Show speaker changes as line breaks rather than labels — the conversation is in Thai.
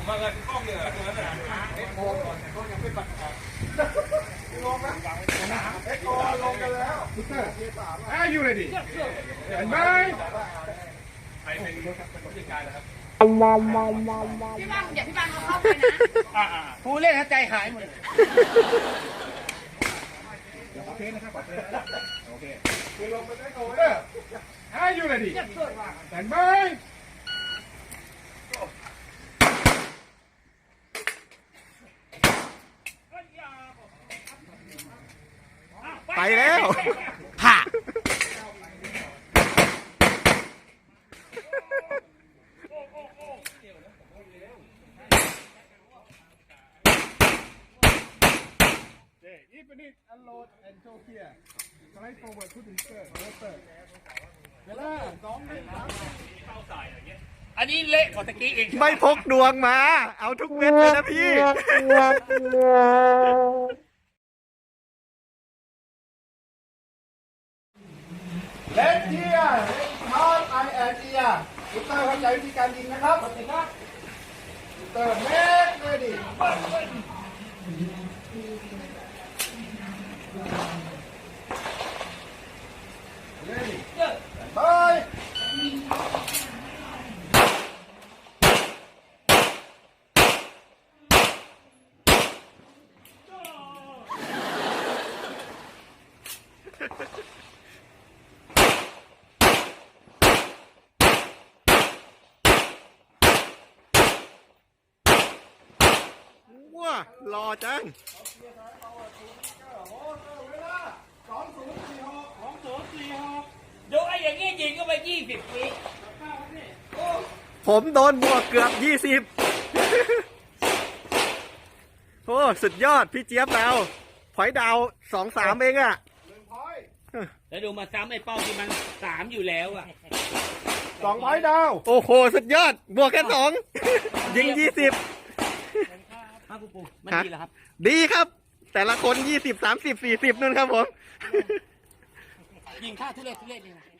มาเลยกล้องเนี่ยตัวนั้นน่ะเอ็กโคก่อนเขายังไม่ปัดออกลงนะเอ็กโคลงกันแล้วAre you ready? เห็นไหมใครเป็นผู้จัดการนะครับ
พี่บ้างอย่าพี่บ้างเขาเข้าไปนะ
ผู้เล่นใจหายหมด
โอเคนะครับโอเคคือลงไปได้โอ้ยAre you ready? เห็นไหม
ไปแล้วผ่า
Even it unload and go here. Slide forward to the rotor. เวลา
อันนี้เละกว่าตะกี้อีก
ไม่พกดวงมา เอาทุกเม็ดเลยนะพี่
เลนเทียฮาร์ดไอแอนเทียอุตเตอร์เข้าใจวิธีการยิงนะครับอุตเตอร์เมกเลยดิไป
ว้ารอจัง
ยกไอ้อย่างงี้ยิงก็ไป20 วิ
ผมโดนบวกเกือบ20โอ้สุดยอดพี่เจี๊ยบดาวพอยดาว2-3เองอะ
แล้วดูมาซ้ำไอ้เป้าที่มัน3อยู่แล้วอ่ะ
2 พอยดาว
โอ้โหสุดยอดบวกแค่2ยิง20
ครับปูมันดีเหรอครับ
ดีครับ แต่ละคน20 30 40นู่นครับผม
ยิงท่าทุเรศนี่นะ